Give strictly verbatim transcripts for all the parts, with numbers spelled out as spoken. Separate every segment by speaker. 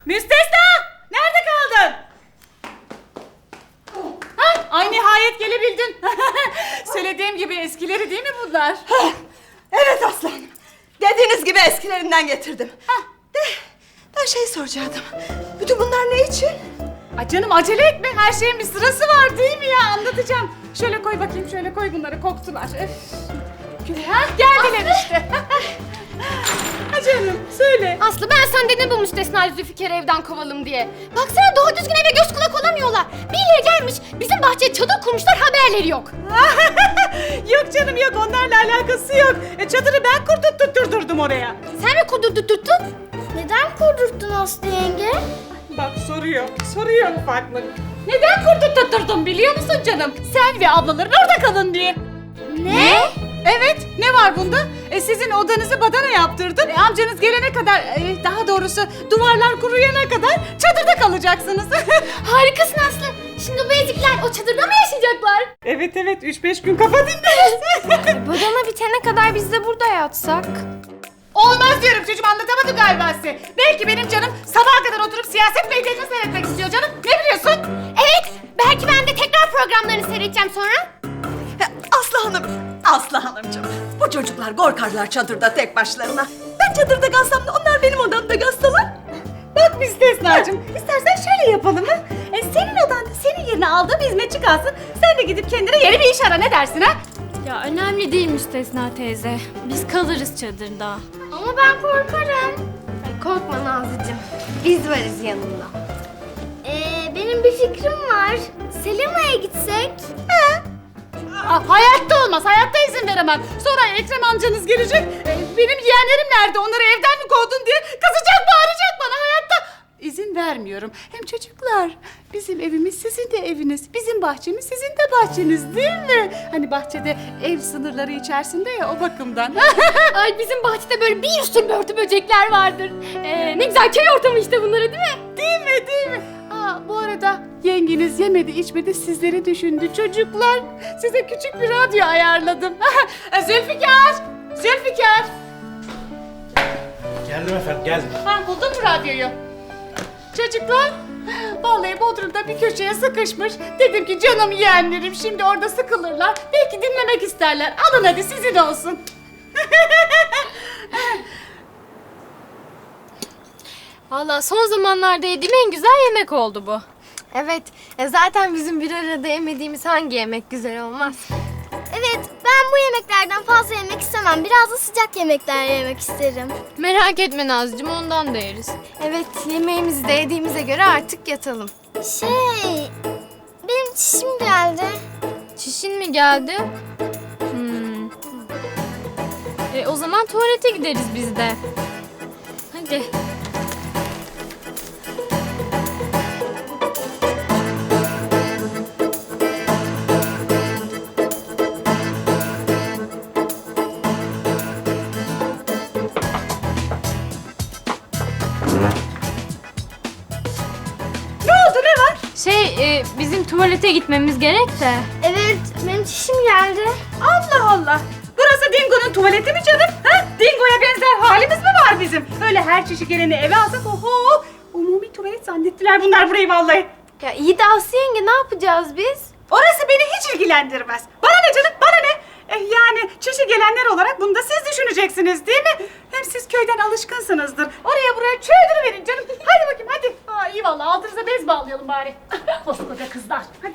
Speaker 1: Müstesna! Nerede kaldın? Ha, ay nihayet gelebildin. Söylediğim gibi eskileri değil mi bunlar?
Speaker 2: Evet aslanım. Dediğiniz gibi eskilerinden getirdim. Hah. De, ben şey soracaktım. Bütün bunlar ne için?
Speaker 1: Ay canım acele etme. Her şeyin bir sırası var değil mi ya? Anlatacağım. Şöyle koy bakayım. Şöyle koy bunları. Koktular. Öf. Ha, geldiler işte. Ha canım söyle.
Speaker 3: Aslı ben sen dedim bu müstesna Zülfikar'ı evden kovalım diye. Baksana doğru düzgün eve göz kulak olamıyorlar. Birileri gelmiş bizim bahçeye çadır kurmuşlar, haberleri yok.
Speaker 1: Yok canım yok, onlarla alakası yok. E, çadırı ben kurdurtturdum oraya.
Speaker 3: Sen mi kurdurtturdun? Neden kurdurttun Aslı yenge?
Speaker 1: Bak soruyor, soruyor ufaklık. Neden kurdurtturdum biliyor musun canım? Sen ve ablaların orada kalın diye.
Speaker 3: Ne?
Speaker 1: Evet, ne var bunda? E, sizin odanızı badana yaptırdım. E, amcanız gelene kadar, e, daha doğrusu duvarlar kuruyana kadar çadırda kalacaksınız.
Speaker 3: Harikasın Aslı. Şimdi bu ezikler o çadırda mı yaşayacaklar?
Speaker 1: Evet evet, üç beş gün kafa dinleriz.
Speaker 3: Badana bitene kadar biz de burada yatsak.
Speaker 1: Olmaz diyorum çocuğum, anlatamadım galiba size. Belki benim canım sabaha kadar oturup siyaset medyasını seyretmek istiyor canım. Ne biliyorsun?
Speaker 3: Evet, belki ben de tekrar programlarını seyredeceğim sonra.
Speaker 2: Aslı Hanım, Aslı Hanımcığım. Bu çocuklar korkarlar çadırda tek başlarına. Ben çadırda kalsam da onlar benim odamda kalsalar.
Speaker 1: Bak Müstesna'cığım, istersen şöyle yapalım ha. E, senin odanda senin yerine aldığım hizmetçi kalsın. Sen de gidip kendine yeni bir iş ara, ne dersin ha?
Speaker 4: Ya önemli değil Müstesna teyze. Biz kalırız çadırda.
Speaker 3: Ama ben korkarım. Ay korkma Nazlıcığım. Biz varız yanında. Ee, benim bir fikrim var. Selima'ya gitsek?
Speaker 1: Aa, hayatta olmaz, hayatta izin veremem. Sonra Ekrem amcanız gelecek. E, benim yeğenlerim nerede, onları evden mi kovdun diye kızacak, bağıracak bana, hayatta. İzin vermiyorum. Hem çocuklar, bizim evimiz sizin de eviniz. Bizim bahçemiz sizin de bahçeniz değil mi? Hani bahçede ev sınırları içerisinde ya, o bakımdan.
Speaker 3: Ay bizim bahçede böyle bir sürü börtü böcekler vardır. Ee, ne güzel köy ortamı işte bunları değil mi?
Speaker 1: Değil mi, değil mi? Aa, bu arada yengeniz yemedi içmedi, sizleri düşündü çocuklar. Size küçük bir radyo ayarladım. Zülfikar! Zülfikar!
Speaker 5: Geldim efendim, geldim.
Speaker 1: Ha, buldun mu radyoyu? Çocuklar, vallahi Bodrum'da bir köşeye sıkışmış. Dedim ki canım yeğenlerim şimdi orada sıkılırlar. Belki dinlemek isterler. Alın hadi, sizin olsun.
Speaker 4: Valla son zamanlarda yediğim en güzel yemek oldu bu.
Speaker 3: Evet. E zaten bizim bir arada yemediğimiz hangi yemek güzel olmaz? Evet. Ben bu yemeklerden fazla yemek istemem. Biraz da sıcak yemekler yemek isterim.
Speaker 4: Merak etme Nazcığım, ondan da yeriz.
Speaker 3: Evet. Yemeğimizi de yediğimize göre artık yatalım. Şey... Benim çişim geldi.
Speaker 4: Çişin mi geldi? Hmm. E, o zaman tuvalete gideriz biz de. Hadi.
Speaker 1: Ne oldu, ne var?
Speaker 4: Şey, e, bizim tuvalete gitmemiz gerek de.
Speaker 3: Evet. Benim çişim geldi.
Speaker 1: Allah Allah! Burası Dingo'nun tuvaleti mi canım? Ha? Dingo'ya benzer halimiz mi var bizim? Öyle her çeşit geleni eve alsak, oho! Umumi tuvalet zannettiler bunlar burayı vallahi.
Speaker 3: Ya iyi de Aslı yenge, ne yapacağız biz?
Speaker 1: Orası beni hiç ilgilendirmez. Bana ne canım, bana ne? Eh, yani çeşi gelenler olarak bunu da siz düşüneceksiniz değil mi? Hem siz köyden alışkınsınızdır. Oraya buraya çöldürüverin canım. Hadi bakayım hadi. Aa, iyi vallahi, altınıza bez bağlayalım bari. Koskoca kızlar. Hadi.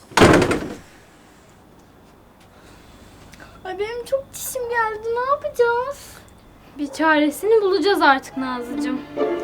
Speaker 3: Ay benim çok çişim geldi. Ne yapacağız?
Speaker 4: Bir çaresini bulacağız artık Nazlıcığım.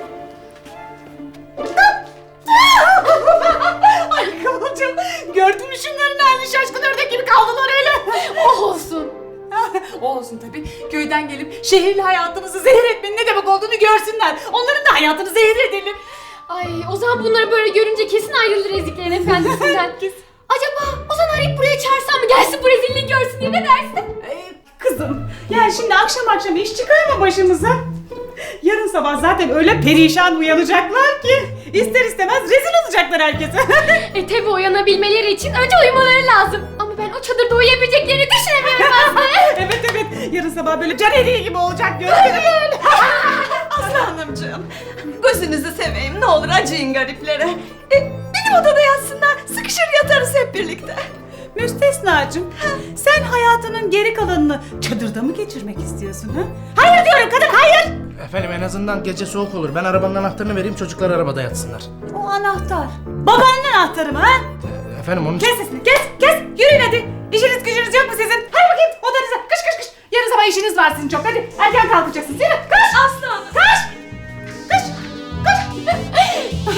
Speaker 1: Ay Kıvılcım, gördün mü şunların halini, şaşkın ördek gibi kaldılar öyle. Oh olsun. O olsun tabii. Köyden gelip şehirli hayatımızı zehir etmenin ne demek olduğunu görsünler. Onların da hayatını zehir edelim.
Speaker 3: Ay o zaman bunları böyle görünce kesin ayrılır eziklerin efendisinden.
Speaker 1: Kesin.
Speaker 3: Acaba Ozan arayıp buraya çağırsam mı, gelsin bu rezilliği görsün diye, ne dersin?
Speaker 1: Ee, Kızım, yani şimdi akşam akşam iş çıkarma başımıza. Yarın sabah zaten öyle perişan uyanacaklar ki ister istemez rezil olacaklar herkese.
Speaker 4: E tabi uyanabilmeleri için önce uyumaları lazım. Ama ben o çadırda uyuyabileceklerini düşünemiyorum Aslı.
Speaker 1: Evet evet, yarın sabah böyle can eriği gibi olacak gözleri böyle.
Speaker 2: Aslı Hanımcığım, gözünüzü seveyim ne olur acıyın gariplere. E, benim odada yatsınlar, sıkışır yatarız hep birlikte.
Speaker 1: Müstesnacığım, sen hayatının geri kalanını çadırda mı geçirmek istiyorsun ha? Hayır diyorum kadın, hayır!
Speaker 5: Efendim en azından gece soğuk olur. Ben arabanın anahtarını vereyim, çocuklar arabada yatsınlar.
Speaker 1: O anahtar. Babanın anahtarı mı ha?
Speaker 5: E, Efendim onun için...
Speaker 1: Kes sesini, kes, kes! Yürüyün hadi! İşiniz gücünüz yok mu sizin? Hadi bakayım odanıza, kış kış kış! Yarın sabah işiniz var sizin çok, hadi! Erken kalkacaksınız, yürü! Kış!
Speaker 2: Aslı Hanım.
Speaker 1: Kış! Kış! Kış!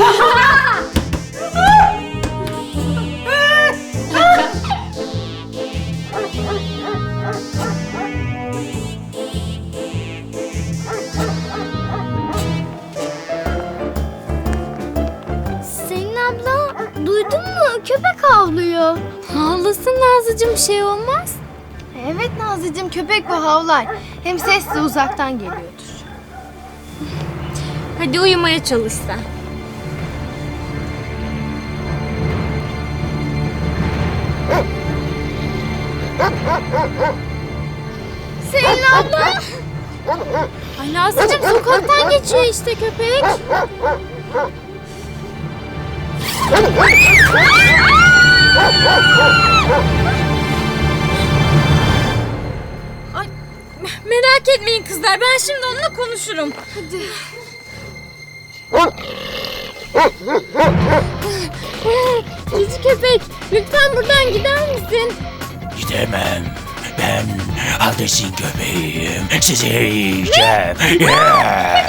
Speaker 3: Selin abla duydun mu? Köpek havlıyor.
Speaker 4: Havlasın Nazlıcığım, bir şey olmaz.
Speaker 3: Evet Nazlıcığım, köpek bu havlar. Hem ses de uzaktan geliyordur.
Speaker 4: Hadi uyumaya çalış sen.
Speaker 3: Selin abla!
Speaker 4: Ay Nazlıcığım, sokaktan geçiyor işte köpek. Ay, merak etmeyin kızlar, ben şimdi onunla konuşurum. Hadi. Cici köpek, lütfen buradan gider misin?
Speaker 6: Gidemem. Ben Hades'in köpeğiyim. Sizi yiyeceğim. Yeah.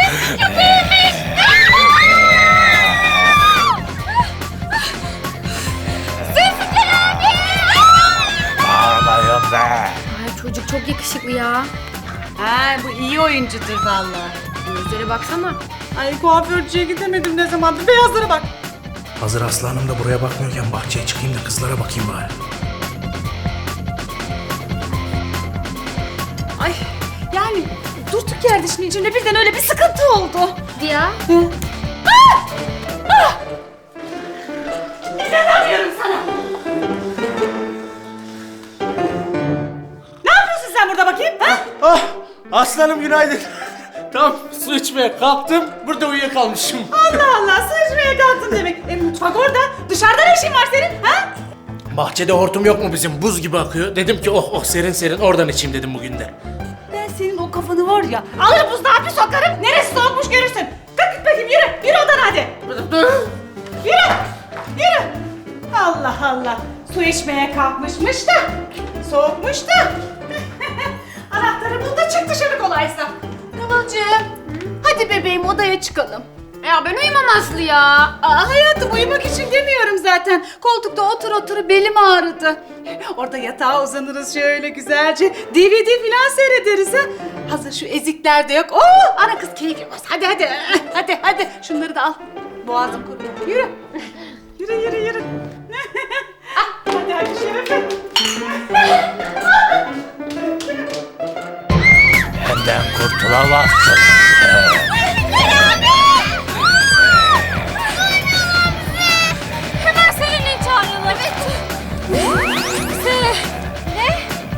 Speaker 6: Bağırmayın be.
Speaker 4: Ay çocuk çok yakışıklı ya.
Speaker 1: Ha, bu iyi oyuncudur vallahi.
Speaker 4: Gözlere baksana.
Speaker 1: Ay kuaförcüye gidemedim ne zamandır, beyazlara bak.
Speaker 5: Hazır Aslı Hanım da buraya bakmıyorken bahçeye çıkayım da kızlara bakayım bari.
Speaker 1: Ay yani durduk yerde şimdi içimde birden öyle bir sıkıntı oldu.
Speaker 4: Ya.
Speaker 1: İnanamıyorum sana. Ne yapıyorsun sen burada bakayım? Ha?
Speaker 5: Ah! Aslanım günaydın. Tam su içmeye kalktım, burada uyuyakalmışım.
Speaker 1: Allah Allah, su içmeye kalktın demek. E, mutfak orada. Dışarıda ne işin var senin? Ha?
Speaker 5: Bahçede hortum yok mu bizim? Buz gibi akıyor. Dedim ki oh oh serin serin oradan içeyim dedim bugün de.
Speaker 1: Ben senin o kafanı var ya, alır buzdağı bir sokarım. Neresi soğukmuş görürsün. Kalk git bakayım, yürü. Yürü odana hadi. Yürü. Yürü. Allah Allah. Su içmeye kalkmışmış da. Soğukmuş da. Anahtarı bul da çık dışarı kolaysa. Kıvılcım. Hadi bebeğim odaya çıkalım.
Speaker 4: Ya ben uyumam Aslı ya.
Speaker 1: Aa, hayatım uyumak için demiyorum zaten. Koltukta otur otur belim ağrıdı. Orada yatağa uzanırız şöyle güzelce. D V D falan seyrederiz ha. Hazır şu ezikler de yok. Oo, ana kız keyif yapmaz. Hadi hadi. Hadi hadi. Şunları da al. Boğazım kurudu. Yürü. Yürü yürü yürü. Ah, hadi hadi Şerefe.
Speaker 6: Benden kurtulamazsın.
Speaker 4: Hemen Selin'i çağıralım. Evet. Se... Ne?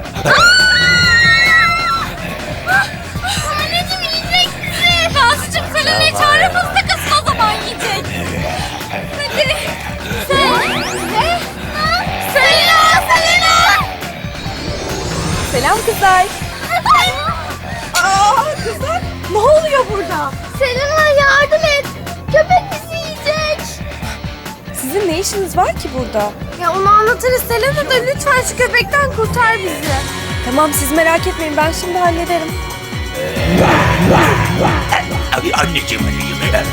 Speaker 4: Anneciğim yiyecek bizi. Nazlıcığım Selin'i çağırır mısın? Kızın o zaman yiyecek. Hadi. Se... Ne? Selina! Selina!
Speaker 2: Selam kızlar. Aa kızlar, ne oluyor burada?
Speaker 3: Selena yardım et! Köpek bizi yiyecek!
Speaker 2: Sizin ne işiniz var ki burada?
Speaker 3: Ya onu anlatırız Selena da lütfen şu köpekten kurtar bizi.
Speaker 2: Tamam siz merak etmeyin, ben şimdi hallederim.
Speaker 6: Ay, anneciğim anneciğim.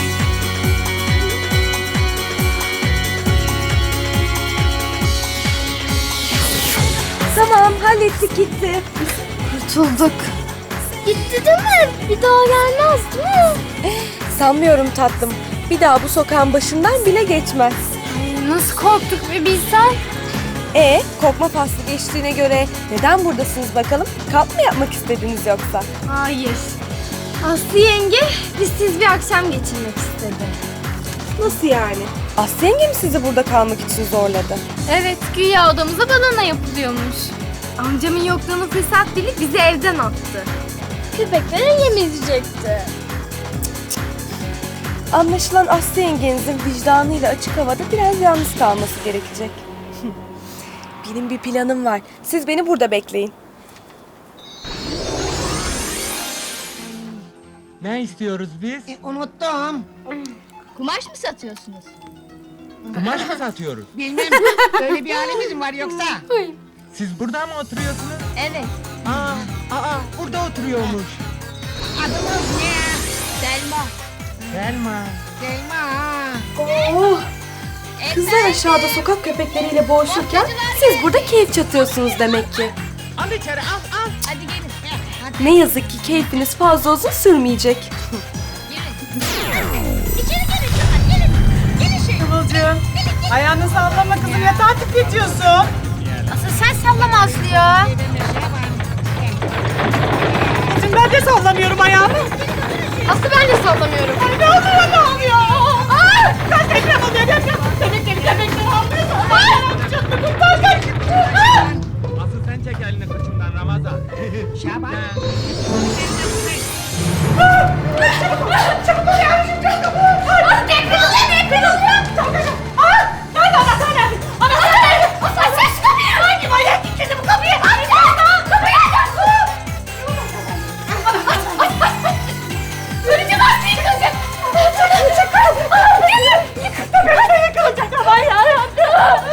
Speaker 2: Tamam hallettik gitti.
Speaker 3: Kurtulduk. Gitti değil mi? Bir daha gelmez değil mi?
Speaker 2: Sanmıyorum tatlım. Bir daha bu sokağın başından bile geçmez.
Speaker 4: Ay, nasıl korktuk bir bilsen.
Speaker 7: E korkma faslı geçtiğine göre neden buradasınız bakalım? Kamp mı yapmak istediniz yoksa?
Speaker 3: Hayır. Aslı yenge bizsiz bir akşam geçirmek istedi.
Speaker 7: Nasıl yani? Aslı yenge mi sizi burada kalmak için zorladı?
Speaker 3: Evet, güya odamıza badana yapılıyormuş. Amcamın yokluğunu fırsat bilip bizi evden attı. Köpeklere yem edecekti.
Speaker 7: Anlaşılan Aslı yengenizin vicdanıyla açık havada biraz yalnız kalması gerekecek. Benim bir planım var. Siz beni burada bekleyin.
Speaker 8: Ne istiyoruz biz?
Speaker 9: Unuttum.
Speaker 4: Kumaş mı satıyorsunuz?
Speaker 8: Kumaş mı satıyoruz?
Speaker 9: Bilmem. Öyle bir halimiz mi var yoksa?
Speaker 8: Siz burada mı oturuyorsunuz?
Speaker 4: Evet.
Speaker 8: Aa, aa burada oturuyormuş.
Speaker 9: Adımız ne?
Speaker 4: Selma.
Speaker 8: Selma.
Speaker 9: Selma.
Speaker 7: Oh! Kızlar aşağıda sokak köpekleriyle boğuşurken siz burada keyif çatıyorsunuz demek ki.
Speaker 8: Al içeri al al.
Speaker 4: Hadi gelin.
Speaker 7: Ne yazık ki keyfiniz fazla uzun sürmeyecek.
Speaker 4: İçeri gelin çocuklar. Gelin. Gelin şey.
Speaker 1: Kıvılcım. Ayağını sallama kızım, yatağa titretiyorsun.
Speaker 4: Asıl sen sallama Aslı ya.
Speaker 1: Kızım ben de sallamıyorum ayağımı.
Speaker 3: Aslı ben de sallamıyorum.
Speaker 1: Ay ne oluyor ne oluyor? Aa! Kaç deprem oluyor deprem. Bebekleri bebekleri almıyor. Ay! Çok da kurtar kaç. Aa!
Speaker 8: Asıl sen çek elini kıçımdan Ramazan.
Speaker 9: Şaban.
Speaker 1: Çabuk ol yavrucuğum çabuk ol. Ay deprem oluyor deprem oluyor. Çabuk ol. Aa! Nerede anahtar nerede? Anahtar nerede? Ay ses kapıyı. Hangi manyak kilitledi bu kapıyı? Ay kapıyı aç. Öleceğim Aslı yıkılacak. Çok çok yıkılacak. Böyle yıkılacak ama yarabbim.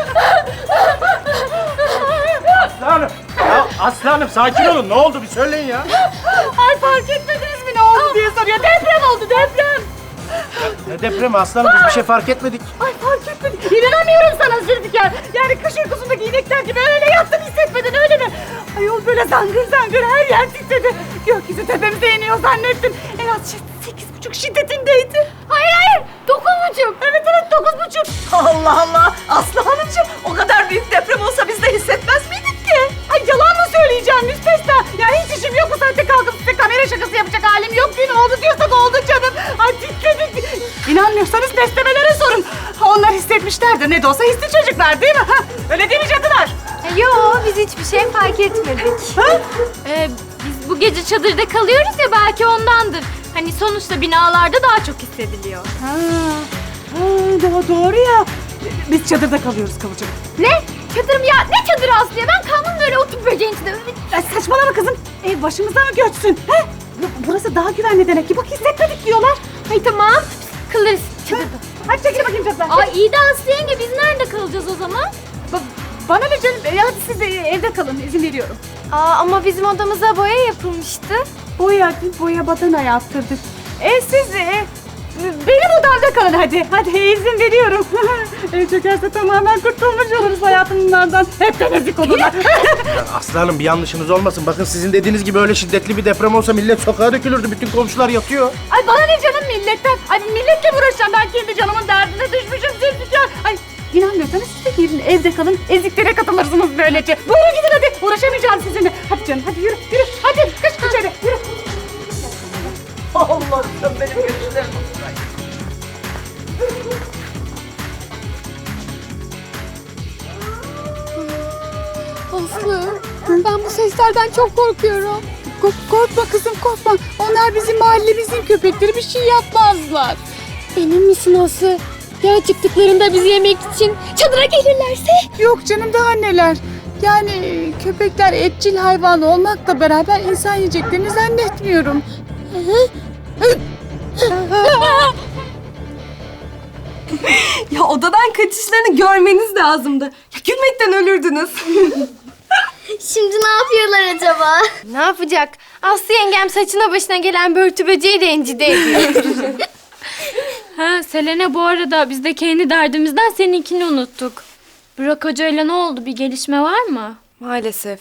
Speaker 5: Aslanım. Ya aslanım sakin olun. Ne oldu bir söyleyin ya.
Speaker 1: Ay fark etmediniz mi ne oldu diye soruyor. Deprem oldu deprem.
Speaker 5: Ne depremi aslanım, biz bir şey fark etmedik.
Speaker 1: Ay fark etmedim. İnanamıyorum sana Zülfikar. Yani kış uykusundaki inekler gibi öyle yattın hissetmedin öyle mi? Ayol böyle zangır zangır her yer titredi. Gökyüzü tepemize iniyor zannettim. En az şi- sekiz buçuk şiddetindeydi. Hayır hayır dokuz buçuk. Evet evet dokuz buçuk.
Speaker 2: Allah Allah! Aslı Hanımcığım o kadar büyük deprem olsa biz de hissetmez miydik ki?
Speaker 1: Ay yalan mı söyleyeceğim müstesna? Ya hiç işim yok bu saatte kalkıp size kamera şakası yapacak halim yok ki. Ne oldu diyorsak oldu canım. Ay titredik. İnanmıyorsanız beslemelere sorun. Onlar hissetmişlerdir. Ne de olsa hisli çocuklar değil mi? Ha? Öyle değil mi cadılar?
Speaker 3: E, Yo, biz hiçbir şey fark etmedik.
Speaker 1: Ha?
Speaker 4: Ee, biz bu gece çadırda kalıyoruz ya belki ondandır. Hani sonuçta binalarda daha çok hissediliyor.
Speaker 1: Ha, ha, doğru, doğru ya. Biz çadırda kalıyoruz Kıvılcım.
Speaker 4: Ne? Çadır mı ya? Ne çadırı Aslı ya? Ben kaldım böyle oturup böceğin içinde.
Speaker 1: Ya saçmalama kızım. Ev başımıza mı göçsün? He? Bu- Burası daha güvenli demek ki. Bak hissetmedik diyorlar.
Speaker 4: Ay tamam. Kalırız çadırda.
Speaker 1: Hadi çekil bakayım çatıdan.
Speaker 4: Ay iyi de Aslı yenge biz nerede kalacağız o zaman?
Speaker 1: Ba- bana ne canım? E, hadi siz de evde kalın. İzin veriyorum.
Speaker 3: Aa, ama bizim odamıza boya yapılmıştı.
Speaker 1: Boya, boya badana yaptırdık. E siz e, benim odamda kalın hadi. Hadi izin veriyorum. Ev çökerse tamamen kurtulmuş oluruz hayatımdan. Hep temizlik olurlar.
Speaker 5: Ya aslanım bir yanlışınız olmasın. Bakın sizin dediğiniz gibi öyle şiddetli bir deprem olsa millet sokağa dökülürdü. Bütün komşular yatıyor.
Speaker 1: Ay bana ne canım milletten? Ay milletle mi uğraşacağım? Ben kendi canımın derdine düşmüşüm Zülfikar. Ay inanmıyorsanız siz de gelin evde kalın. Eziklere katılırsınız böylece. Buyurun gidin hadi. Uğraşamayacağım sizinle. Hadi canım hadi yürü yürü. Hadi kış içeri yürü.
Speaker 2: Allah'ım benim güçlerim.
Speaker 1: Aslı ben bu seslerden çok korkuyorum. korkma kızım korkma. Onlar bizim mahallemizin köpekleri, bir şey yapmazlar.
Speaker 4: Emin misin Aslı? Ya çıktıklarında bizi yemek için çadıra gelirlerse?
Speaker 1: Yok canım daha neler. Yani köpekler etçil hayvan olmakla beraber insan yiyeceklerini zannetmiyorum.
Speaker 7: Ya odadan kaçışlarını görmeniz lazımdı. Ya gülmekten ölürdünüz.
Speaker 3: Şimdi ne yapıyorlar acaba? Ne yapacak? Aslı yengem saçına başına gelen börtü böceği rencide ediyor.
Speaker 4: Ha Selena bu arada biz de kendi derdimizden seninkini unuttuk. Burak Hoca ile ne oldu? Bir gelişme var mı?
Speaker 7: Maalesef.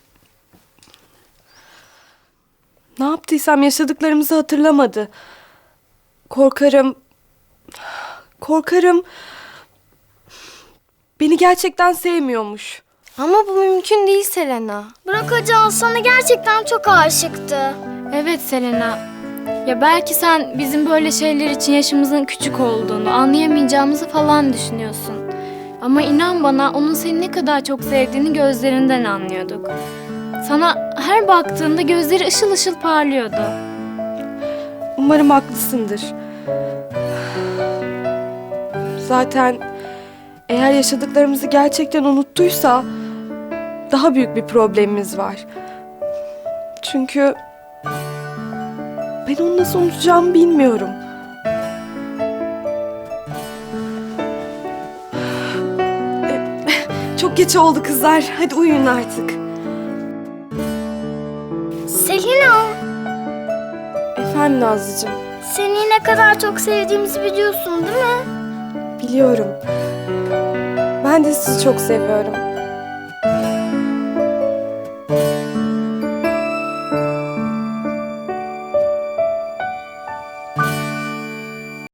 Speaker 7: Ne yaptıysam yaşadıklarımızı hatırlamadı. Korkarım... Korkarım... Beni gerçekten sevmiyormuş.
Speaker 3: Ama bu mümkün değil Selena. Bırak Can, sana gerçekten çok aşıktı.
Speaker 4: Evet Selena. Ya belki sen bizim böyle şeyler için yaşımızın küçük olduğunu, anlayamayacağımızı falan düşünüyorsun. Ama inan bana onun seni ne kadar çok sevdiğini gözlerinden anlıyorduk. Sana her baktığında gözleri ışıl ışıl parlıyordu.
Speaker 7: Umarım haklısındır. Zaten eğer yaşadıklarımızı gerçekten unuttuysa daha büyük bir problemimiz var. Çünkü ben onu nasıl unutacağımı bilmiyorum. E, Çok geç oldu kızlar. Hadi uyuyun artık.
Speaker 3: Selena,
Speaker 7: Efendim Nazlıcığım.
Speaker 3: seni ne kadar çok sevdiğimizi biliyorsun değil mi?
Speaker 7: Biliyorum. Ben de sizi çok seviyorum.